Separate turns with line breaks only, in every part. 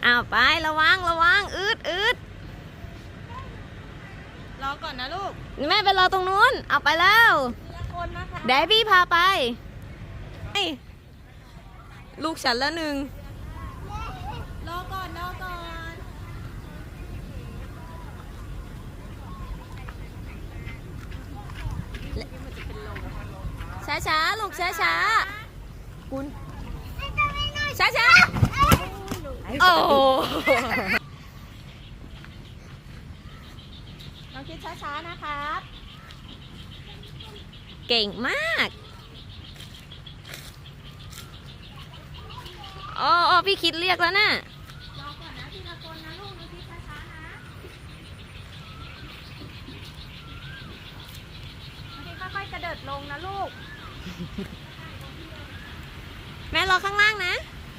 อ้าวไประวังอืด
รอก่อนนะลูก
แม่ไปรอตรงนู้นเอาไปแล้ว
คนนะคะ
เดี๋ยวพี่พาไปลูกฉันละหนึ่ง
รอก่อน
ช้าลูกช้าคุณช้าโอ้
น้องคิดช้าๆนะครับ
เก่งมากอ๋อพี่คิดเรียกแล้วนะ
รอก่อนนะทีละคนนะลูกน้องคิดช้าๆนะน้องคิดค่อยๆกระเดิดลงนะลูก
แม่รอข้างล่างนะ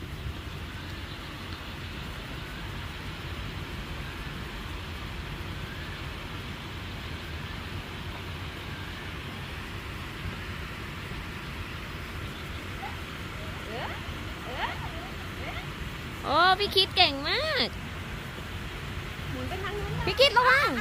โอ้พี่คิดเก่งมากพี่คิดระวัง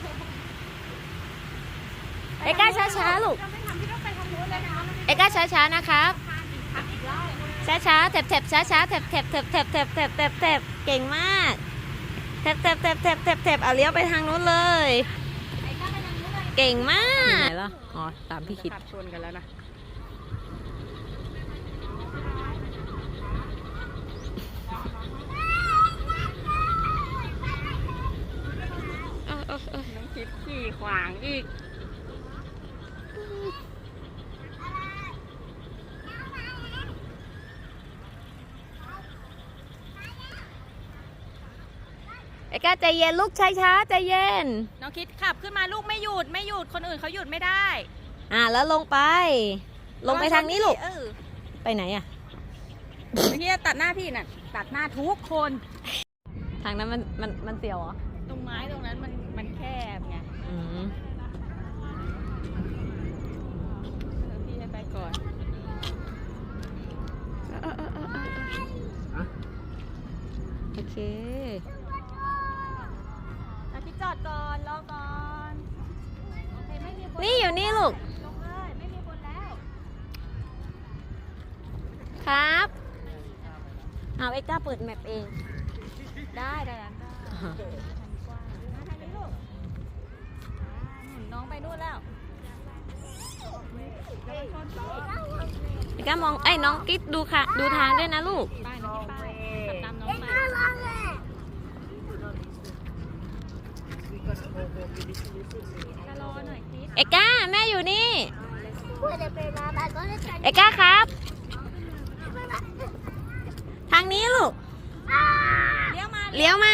เอ็กก้าช้าลูกเอ็กก้าช้านะครับช้าแถบช้าแถบเก่งมากแถบเอาเลี้ยวไปทางนู้นเลยเก่งมากไหนล่ะอ๋อตามพี่คิด
ชนกันแล้วนะน้องคิดขี่ขวางอีก
เอ็กก้าใจเย็นลูกช้าใจเย็น
น้องคิดขับขึ้นมาลูกไม่หยุดคนอื่นเขาหยุดไม่ได้
แล้วลงไปทางนี้ลูกไปไหนอ่ะ
เมื่อกี้ตัดหน้าพี่น่ะตัดหน้าทุกคน
ทางนั้นมันเสียวเหรอ
ตรงไม้ตรงนั้นมันแคบไงพี่ให้ไปก่อน
โอเค
พี่จอดก่อนรอก่อนโอเคไม่มีคน
นี่อยู่นี่ลูก
ลงเลยไม่มีคนแล้ว
ครับเอาเอ็กก้าเปิดแมปเอง
ได้แล้วทางกว้างมาทางนี้ลูกน้องไปนู่นแล้ว
เอ็กก้ามองน้องกิ๊ดดูค่ะดูทางด้วยนะลูก
ไปน้องไปตามน้องไปรอหน่อยคิด
เอ็กก้าแม่อยู่นี่เอ็กก้าครับทางนี้ลูกเลี้ยวมา